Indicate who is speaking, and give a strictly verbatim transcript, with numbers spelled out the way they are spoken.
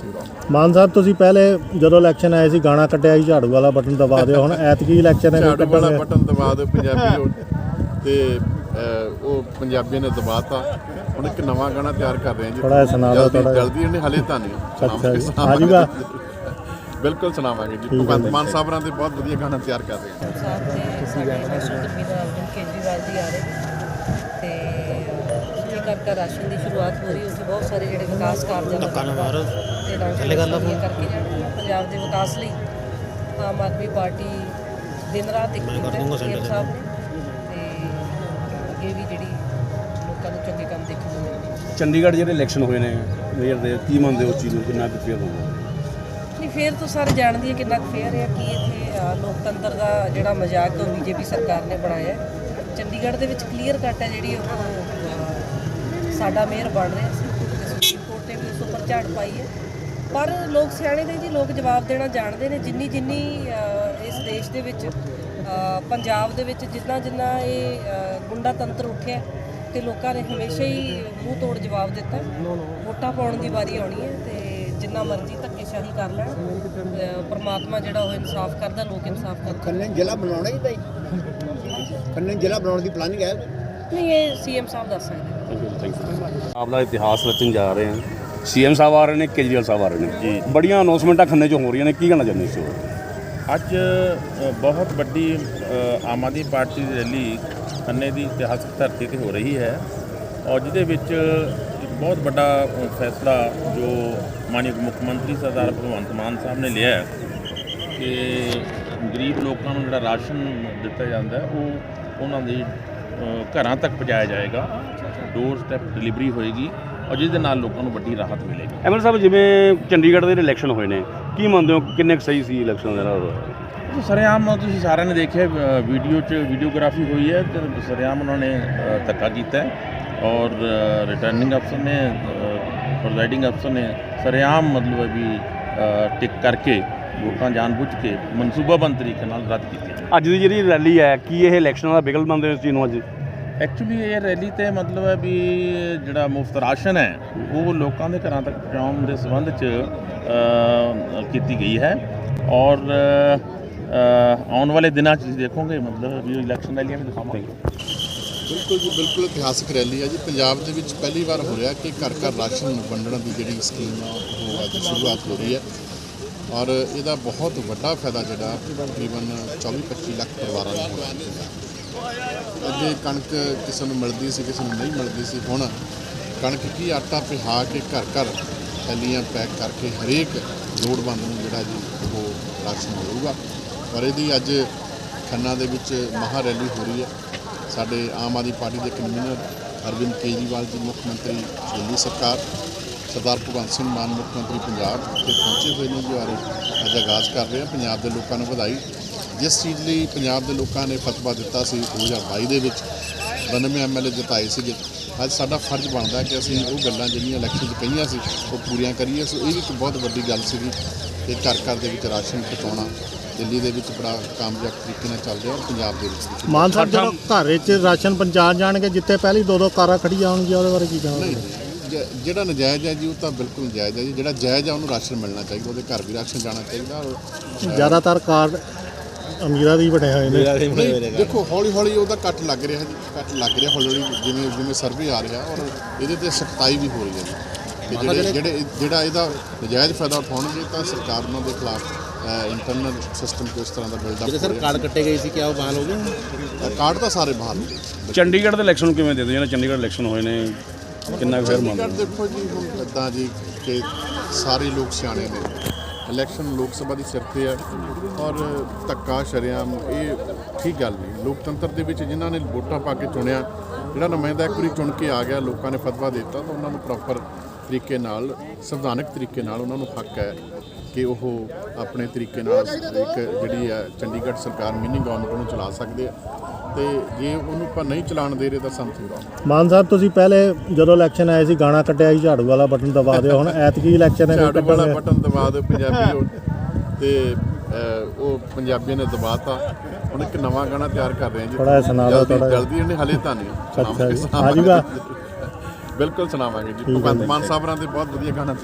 Speaker 1: ਮਾਨ ਸਾਹਿਬ ਤੁਸੀਂ ਪਹਿਲੇ ਜਦੋਂ ਇਲੈਕਸ਼ਨ ਆਏ ਸੀ ਗਾਣਾ ਕੱਢਿਆ ਸੀ ਝਾੜੂ ਵਾਲਾ ਬਟਨ ਦਬਾ ਦਿਓ, ਹੁਣ ਐਤਕੀ ਇਲੈਕਸ਼ਨ ਹੈ
Speaker 2: ਝਾੜੂ ਵਾਲਾ ਬਟਨ ਦਬਾ ਦਿਓ ਪੰਜਾਬੀ ਹੋ ਤੇ ਉਹ ਪੰਜਾਬੀਆਂ ਨੇ ਦਬਾਤਾ। ਹੁਣ ਇੱਕ ਨਵਾਂ ਗਾਣਾ ਤਿਆਰ ਕਰ ਰਹੇ ਹਾਂ ਜੀ,
Speaker 1: ਥੋੜਾ ਸੁਣਾ ਦਿਓ ਥੋੜਾ
Speaker 2: ਜਲਦੀ ਇਹਨੇ ਹਲੇ ਤਾਂ ਨਹੀਂ
Speaker 1: ਆ ਜੂਗਾ,
Speaker 2: ਬਿਲਕੁਲ ਸੁਣਾਵਾਂਗੇ ਜੀ। ਭਗਵੰਤ ਮਾਨ ਸਾਹਿਬਾਂ ਦੇ ਬਹੁਤ ਵਧੀਆ ਗਾਣਾ ਤਿਆਰ ਕਰ ਰਹੇ ਹਾਂ।
Speaker 3: ਕੇਜਰੀਵਾਲ ਜੀ ਆ ਰਹੇ ਤੇ ਘਰ ਘਰ ਰਾਸ਼ਨ ਦੀ ਸ਼ੁਰੂਆਤ ਹੋ ਰਹੀ, ਉੱਥੇ ਬਹੁਤ ਸਾਰੇ ਜਿਹੜੇ ਵਿਕਾਸ ਕਾਰਜ ਨੇ ਕਰਕੇ ਜਾਣੇ ਪੰਜਾਬ ਦੇ ਵਿਕਾਸ ਲਈ ਆਮ ਆਦਮੀ ਪਾਰਟੀ ਦਿਨ ਰਾਤ ਇੱਕ ਸੀਐਮ ਸਾਹਿਬ ਨੇ ਤੇ ਅੱਗੇ ਵੀ ਜਿਹੜੀ ਲੋਕਾਂ ਨੂੰ ਚੰਗੇ ਕੰਮ ਦੇਖਣ ਨੂੰ ਮਿਲਣਗੇ।
Speaker 4: ਚੰਡੀਗੜ੍ਹ ਜਿਹੜੇ ਇਲੈਕਸ਼ਨ ਹੋਏ ਨੇ ਮੇਅਰ ਦੇ, ਕੀ ਮੰਨਦੇ ਹੋ ਉਸ ਚੀਜ਼ ਨੂੰ, ਕਿੰਨਾ ਕੁ ਫੇਅਰ ਹੋਊਗਾ?
Speaker 3: ਨਹੀਂ ਫੇਰ ਤਾਂ ਸਾਰੇ ਜਾਣਦੇ ਆ ਕਿੰਨਾ ਕੁ ਫੇਅਰ ਹੈ, ਕੀ ਇੱਥੇ ਲੋਕਤੰਤਰ ਦਾ ਜਿਹੜਾ ਮਜ਼ਾਕ ਉਹ ਬੀਜੇਪੀ ਸਰਕਾਰ ਨੇ ਬਣਾਇਆ। ਚੰਡੀਗੜ੍ਹ ਦੇ ਵਿੱਚ ਕਲੀਅਰ ਕੱਟ ਹੈ ਜਿਹੜੀ ਉਹ ਸਾਡਾ ਮੇਅਰ ਬਣ ਰਿਹਾ ਸੀ, ਸੁਪਰੀਮ ਕੋਰਟ ਨੇ ਵੀ ਉਸ ਉੱਪਰ ਝਾੜ ਪਾਈ ਹੈ। ਪਰ ਲੋਕ ਸਿਆਣੇ ਨੇ ਜੀ, ਲੋਕ ਜਵਾਬ ਦੇਣਾ ਜਾਣਦੇ ਨੇ। ਜਿੰਨੀ ਜਿੰਨੀ ਇਸ ਦੇਸ਼ ਦੇ ਵਿੱਚ ਪੰਜਾਬ ਦੇ ਵਿੱਚ ਜਿੰਨਾ ਜਿੰਨਾ ਇਹ ਗੁੰਡਾ ਤੰਤਰ ਉੱਠਿਆ ਤੇ ਲੋਕਾਂ ਨੇ ਹਮੇਸ਼ਾ ਹੀ ਮੂੰਹ ਤੋੜ ਜਵਾਬ ਦਿੱਤਾ। ਵੋਟਾਂ ਪਾਉਣ ਦੀ ਵਾਰੀ ਆਉਣੀ ਹੈ ਤੇ ਜਿੰਨਾ ਮਰਜ਼ੀ ਧੱਕੇਸ਼ਾਹੀ ਕਰ ਲੈਣ, ਪਰਮਾਤਮਾ ਜਿਹੜਾ ਉਹ ਇਨਸਾਫ ਕਰਦਾ, ਲੋਕ ਇਨਸਾਫ ਕਰਦੇ।
Speaker 5: ਖੰਨੇ ਜ਼ਿਲ੍ਹਾ ਬਣਾਉਣਾ ਹੀ ਭਾਈ, ਖੰਨੇ ਜ਼ਿਲ੍ਹਾ ਬਣਾਉਣ ਦੀ ਪਲਾਨਿੰਗ ਹੈ?
Speaker 3: ਨਹੀਂ, ਇਹ ਸੀਐਮ ਸਾਹਿਬ ਦੱਸ ਸਕਦੇ।
Speaker 4: ਆਪਦਾ ਇਤਿਹਾਸ ਰਚਣ ਜਾ ਰਹੇ ਹਾਂ, ਸੀਐਮ ਸਾਹਿਬ ਆ ਰਹੇ ਨੇ, ਕੇਜਰੀਵਾਲ ਸਾਹਿਬ ਆ ਰਹੇ ਨੇ ਜੀ, ਬੜੀਆਂ ਅਨਾਉਂਸਮੈਂਟਾਂ ਖੰਨੇ 'ਚ ਹੋ ਰਹੀਆਂ ਨੇ, ਕੀ ਕਹਿਣਾ ਚਾਹੁੰਦੇ ਇਸ
Speaker 6: ਅੱਜ ਬਹੁਤ ਵੱਡੀ ਆਮ ਆਦਮੀ ਪਾਰਟੀ ਦੀ ਰੈਲੀ ਖੰਨੇ ਦੀ ਇਤਿਹਾਸਕ ਧਰਤੀ 'ਤੇ ਹੋ ਰਹੀ ਹੈ ਔਰ ਜਿਹਦੇ ਵਿੱਚ ਇੱਕ ਬਹੁਤ ਵੱਡਾ ਫੈਸਲਾ ਜੋ ਮਾਨਯੋਗ ਮੁੱਖ ਮੰਤਰੀ ਸਰਦਾਰ ਭਗਵੰਤ ਮਾਨ ਸਾਹਿਬ ਨੇ ਲਿਆ ਕਿ ਗਰੀਬ ਲੋਕਾਂ ਨੂੰ ਜਿਹੜਾ ਰਾਸ਼ਨ ਦਿੱਤਾ ਜਾਂਦਾ ਉਹ ਉਹਨਾਂ ਦੇ ਘਰਾਂ ਤੱਕ ਪਹੁੰਚਾਇਆ ਜਾਏਗਾ, ਡੋਰ ਸਟੈਪ ਡਿਲੀਵਰੀ ਹੋਏਗੀ ਔਰ ਜਿਸ ਦੇ ਨਾਲ ਲੋਕਾਂ ਨੂੰ ਵੱਡੀ ਰਾਹਤ ਮਿਲੇਗੀ।
Speaker 4: ਐਮਐਲ ਸਾਹਿਬ, ਜਿਵੇਂ ਚੰਡੀਗੜ੍ਹ ਦੇ ਇਲੈਕਸ਼ਨ ਹੋਏ ਨੇ, ਕੀ ਮੰਨਦੇ ਹੋ ਕਿੰਨੇ ਕੁ ਸਹੀ ਸੀ ਇਲੈਕਸ਼ਨ ਦੇ ਨਾਲ?
Speaker 6: ਸਰੇਆਮ ਤੁਸੀਂ ਸਾਰਿਆਂ ਨੇ ਦੇਖਿਆ ਵੀਡੀਓ 'ਚ ਵੀਡੀਓਗ੍ਰਾਫੀ ਹੋਈ ਹੈ ਤੇ ਸਰੇਆਮ ਉਹਨਾਂ ਨੇ ਧੱਕਾ ਕੀਤਾ ਔਰ ਰਿਟਰਨਿੰਗ ਅਫਸਰ ਨੇ, ਪ੍ਰੈਜ਼ਾਈਡਿੰਗ ਅਫਸਰ ਨੇ ਸਰੇਆਮ ਮਤਲਬ ਵੀ ਟਿਕ ਕਰਕੇ ਵੋਟਾਂ ਜਾਣਬੁੱਝ ਕੇ ਮਨਸੂਬਾਬੰਦ ਤਰੀਕੇ ਨਾਲ ਰੱਦ ਕੀਤੀ।
Speaker 4: ਅੱਜ ਦੀ ਜਿਹੜੀ ਰੈਲੀ ਹੈ, ਕੀ ਇਹ ਇਲੈਕਸ਼ਨਾਂ ਦਾ ਬਿਗਲ ਮੰਨਦੇ ਹੋ ਇਸ ਚੀਜ਼ ਨੂੰ? ਅੱਜ
Speaker 6: ਐਕਚੁਅਲੀ ਇਹ ਰੈਲੀ ਤੇ ਮਤਲਬ ਹੈ ਵੀ ਜਿਹੜਾ ਮੁਫਤ ਰਾਸ਼ਨ ਹੈ ਉਹ ਲੋਕਾਂ ਦੇ ਘਰਾਂ ਤੱਕ ਪਹੁੰਚਾਉਣ ਦੇ ਸੰਬੰਧ 'ਚ ਕੀਤੀ ਗਈ ਹੈ ਔਰ ਆਉਣ ਵਾਲੇ ਦਿਨਾਂ 'ਚ ਤੁਸੀਂ ਦੇਖੋਗੇ ਮਤਲਬ ਵੀ ਇਲੈਕਸ਼ਨ ਰੈਲੀਆਂ ਵੀ ਦਿਖਾਵਾਂਗੇ।
Speaker 2: ਬਿਲਕੁਲ ਜੀ, ਬਿਲਕੁਲ ਇਤਿਹਾਸਕ ਰੈਲੀ ਹੈ ਜੀ। ਪੰਜਾਬ ਦੇ ਵਿੱਚ ਪਹਿਲੀ ਵਾਰ ਹੋ ਰਿਹਾ ਕਿ ਘਰ ਘਰ ਰਾਸ਼ਨ ਵੰਡਣ ਦੀ ਜਿਹੜੀ ਸਕੀਮ ਆ ਉਹ ਅੱਜ ਸ਼ੁਰੂਆਤ ਹੋ ਰਹੀ ਹੈ ਔਰ ਇਹਦਾ ਬਹੁਤ ਵੱਡਾ ਫਾਇਦਾ ਜਿਹੜਾ ਤਕਰੀਬਨ ਚੌਵੀ ਪੱਚੀ ਲੱਖ ਪਰਿਵਾਰਾਂ ਨੂੰ ਹੋਇਆ। ਅੱਗੇ ਕਣਕ ਕਿਸੇ ਨੂੰ ਮਿਲਦੀ ਸੀ, ਕਿਸੇ ਨੂੰ ਨਹੀਂ ਮਿਲਦੀ ਸੀ, ਹੁਣ ਕਣਕ ਕੀ ਆਟਾ ਪਿਹਾ ਕੇ ਘਰ ਘਰ ਥੈਲੀਆਂ ਪੈਕ ਕਰਕੇ ਹਰੇਕ ਲੋੜਵੰਦ ਨੂੰ ਜਿਹੜਾ ਜੀ ਉਹ ਰਾਸ਼ਨ ਮਿਲੂਗਾ ਔਰ ਇਹਦੀ ਅੱਜ ਖੰਨਾ ਦੇ ਵਿੱਚ ਮਹਾ ਰੈਲੀ ਹੋ ਰਹੀ ਹੈ। ਸਾਡੇ ਆਮ ਆਦਮੀ ਪਾਰਟੀ ਦੇ ਕਨਵੀਨਰ ਅਰਵਿੰਦ ਕੇਜਰੀਵਾਲ ਜੀ, ਮੁੱਖ ਮੰਤਰੀ ਦਿੱਲੀ ਸਰਕਾਰ, ਸਰਦਾਰ ਭਗਵੰਤ ਸਿੰਘ ਮਾਨ ਮੁੱਖ ਮੰਤਰੀ ਪੰਜਾਬ ਇੱਥੇ ਪਹੁੰਚੇ ਹੋਏ ਨੇ ਜੀ ਔਰ ਅੱਜ ਆਗਾਜ਼ ਕਰ ਰਹੇ ਹਾਂ। ਪੰਜਾਬ ਦੇ ਲੋਕਾਂ ਨੂੰ ਵਧਾਈ, ਜਿਸ ਚੀਜ਼ ਲਈ ਪੰਜਾਬ ਦੇ ਲੋਕਾਂ ਨੇ ਫਤਵਾ ਦਿੱਤਾ ਸੀ ਦੋ ਹਜ਼ਾਰ ਬਾਈ ਦੇ ਵਿੱਚ ਬਾਨਵੇਂ ਐਮ ਐਲ ਏ ਜਿਤਾਏ ਸੀਗੇ। ਅੱਜ ਸਾਡਾ ਫਰਜ਼ ਬਣਦਾ ਕਿ ਅਸੀਂ ਉਹ ਗੱਲਾਂ ਜਿਹੜੀਆਂ ਇਲੈਕਸ਼ਨ 'ਚ ਕਹੀਆਂ ਸੀ ਉਹ ਪੂਰੀਆਂ ਕਰੀਏ। ਸੋ ਇਹ ਵੀ ਇੱਕ ਬਹੁਤ ਵੱਡੀ ਗੱਲ ਸੀਗੀ ਕਿ ਘਰ ਘਰ ਦੇ ਵਿੱਚ ਰਾਸ਼ਨ ਪਹੁੰਚਾਉਣਾ ਦਿੱਲੀ ਦੇ ਵਿੱਚ ਬੜਾ ਕਾਮਯਾਬ ਤਰੀਕੇ ਨਾਲ ਚੱਲ ਰਿਹਾ ਔਰ ਪੰਜਾਬ ਦੇ ਵਿੱਚ।
Speaker 1: ਮਾਨ ਸਾਹਿਬ ਜਦੋਂ ਘਰ ਵਿੱਚ ਰਾਸ਼ਨ ਪਹੁੰਚਾ ਜਾਣਗੇ, ਜਿੱਥੇ ਪਹਿਲੀ ਦੋ ਦੋ ਕਾਰਾਂ ਖੜੀਆਂ ਹੋਣਗੀਆਂ, ਉਹਦੇ ਬਾਰੇ ਕੀ ਕਹੋਗੇ?
Speaker 2: ਨਹੀਂ, ਜਿਹੜਾ ਨਜਾਇਜ਼ ਹੈ ਜੀ ਉਹ ਤਾਂ ਬਿਲਕੁਲ ਨਜਾਇਜ਼ ਹੈ ਜੀ। ਜਿਹੜਾ ਜਾਇਜ਼ ਹੈ ਉਹਨੂੰ ਰਾਸ਼ਨ ਮਿਲਣਾ ਚਾਹੀਦਾ, ਉਹਦੇ ਘਰ ਵੀ ਰਾਸ਼ਨ ਜਾਣਾ ਚਾਹੀਦਾ ਔਰ
Speaker 1: ਜ਼ਿਆਦਾਤਰ ਕਾਰਡ ਅਮੀਰਾਂ ਦੀ ਬਣੇ ਹੋਏ ਨੇ।
Speaker 2: ਦੇਖੋ ਹੌਲੀ ਹੌਲੀ ਉਹਦਾ ਕੱਟ ਲੱਗ ਰਿਹਾ ਜੀ, ਕੱਟ ਲੱਗ ਰਿਹਾ ਹੌਲੀ ਹੌਲੀ ਜਿਵੇਂ ਜਿਵੇਂ ਸਰਵੇ ਆ ਰਿਹਾ ਔਰ ਇਹਦੇ ਤੇ ਸਖਤਾਈ ਵੀ ਹੋ ਰਹੀ ਹੈ ਜੀ। ਤੇ ਜਿਹੜੇ ਜਿਹੜੇ ਜਿਹੜਾ ਇਹਦਾ ਨਜਾਇਜ਼ ਫਾਇਦਾ ਉਠਾਉਣਗੇ ਤਾਂ ਸਰਕਾਰ ਉਹਨਾਂ ਦੇ ਖਿਲਾਫ ਇੰਟਰਨਲ ਸਿਸਟਮ ਕੋਈ ਇਸ ਤਰ੍ਹਾਂ ਦਾ ਬਿਲਡਅਪ
Speaker 5: ਜਿਹੜੇ ਸਰ ਕਾਰਡ ਕੱਟੇ ਗਏ ਸੀ, ਕਿਆ ਉਹ ਬਹਾਲ ਹੋ ਗਏ?
Speaker 2: ਕਾਰਡ ਤਾਂ ਸਾਰੇ ਬਹਾਲ ਹੋ ਗਏ।
Speaker 4: ਚੰਡੀਗੜ੍ਹ ਦੇ ਇਲੈਕਸ਼ਨ ਨੂੰ ਕਿਵੇਂ ਦੇ ਦਿਓ? ਜਿਹੜਾ ਚੰਡੀਗੜ੍ਹ ਇਲੈਕਸ਼ਨ ਹੋਏ ਨੇ, ਕਿੰਨਾ ਕੁ ਫੇਰ ਮੰਨਦੇ?
Speaker 2: ਦੇਖੋ ਜੀ, ਹੁਣ ਇੱਦਾਂ ਜੀ ਕਿ ਸਾਰੇ ਲੋਕ ਸਿਆਣੇ ਨੇ। ਇਲੈਕਸ਼ਨ ਲੋਕ ਸਭਾ ਦੀ ਸਿਰ 'ਤੇ ਹੈ ਔਰ ਧੱਕਾ ਸ਼ਰੇਆਮ ਇਹ ਠੀਕ ਗੱਲ ਨਹੀਂ। ਲੋਕਤੰਤਰ ਦੇ ਵਿੱਚ ਜਿਨ੍ਹਾਂ ਨੇ ਵੋਟਾਂ ਪਾ ਕੇ ਚੁਣਿਆ, ਜਿਹੜਾ ਨੁਮਾਇੰਦਾ ਇੱਕ ਵਾਰੀ ਚੁਣ ਕੇ ਆ ਗਿਆ, ਲੋਕਾਂ ਨੇ ਫਤਵਾ ਦੇ ਦਿੱਤਾ ਤਾਂ ਉਹਨਾਂ ਨੂੰ ਪ੍ਰੋਪਰ ਤਰੀਕੇ ਨਾਲ, ਸੰਵਿਧਾਨਕ ਤਰੀਕੇ ਨਾਲ ਉਹਨਾਂ ਨੂੰ ਹੱਕ ਹੈ ਕਿ ਉਹ ਆਪਣੇ ਤਰੀਕੇ ਨਾਲ ਇੱਕ ਜਿਹੜੀ ਹੈ ਚੰਡੀਗੜ੍ਹ ਸਰਕਾਰ ਮਿਨੀ ਗਵਰਨਮੈਂਟ ਨੂੰ ਚਲਾ ਸਕਦੇ ਆ ਤੇ ਜੇ ਉਹਨੂੰ ਆਪਾਂ ਨਹੀਂ ਚਲਾਉਣ ਦੇ ਰਹੇ ਤਾਂ ਸਮਝੋ।
Speaker 1: ਮਾਨ ਸਾਹਿਬ, ਤੁਸੀਂ ਪਹਿਲੇ ਜਦੋਂ ਇਲੈਕਸ਼ਨ ਆਏ ਸੀ ਗਾਣਾ ਕੱਢਿਆ ਸੀ ਝਾੜੂ ਵਾਲਾ ਬਟਨ ਦਬਾ ਦਿਓ, ਹੁਣ ਐਤਕੀ ਇਲੈਕਸ਼ਨ ਹੈ
Speaker 2: ਝਾੜੂ ਵਾਲਾ ਬਟਨ ਦਬਾ ਦਿਓ ਪੰਜਾਬੀ ਹੋ ਤੇ ਉਹ ਪੰਜਾਬੀਆਂ ਨੇ ਦਬਾਤਾ। ਹੁਣ ਇੱਕ ਨਵਾਂ ਗਾਣਾ ਤਿਆਰ ਕਰ ਰਹੇ ਹਾਂ ਜੀ,
Speaker 1: ਥੋੜਾ ਸੁਣਾ ਦਿਓ ਥੋੜਾ
Speaker 2: ਜਲਦੀ ਇਹਨੇ ਹਲੇ ਤਾਂ ਨਹੀਂ
Speaker 1: ਆ ਜੂਗਾ,
Speaker 2: ਬਿਲਕੁਲ ਸੁਣਾਵਾਂਗੇ ਜੀ। ਭਗਵੰਤ ਮਾਨ ਸਾਹਿਬਾਂ ਦੇ ਬਹੁਤ ਵਧੀਆ ਗਾਣਾ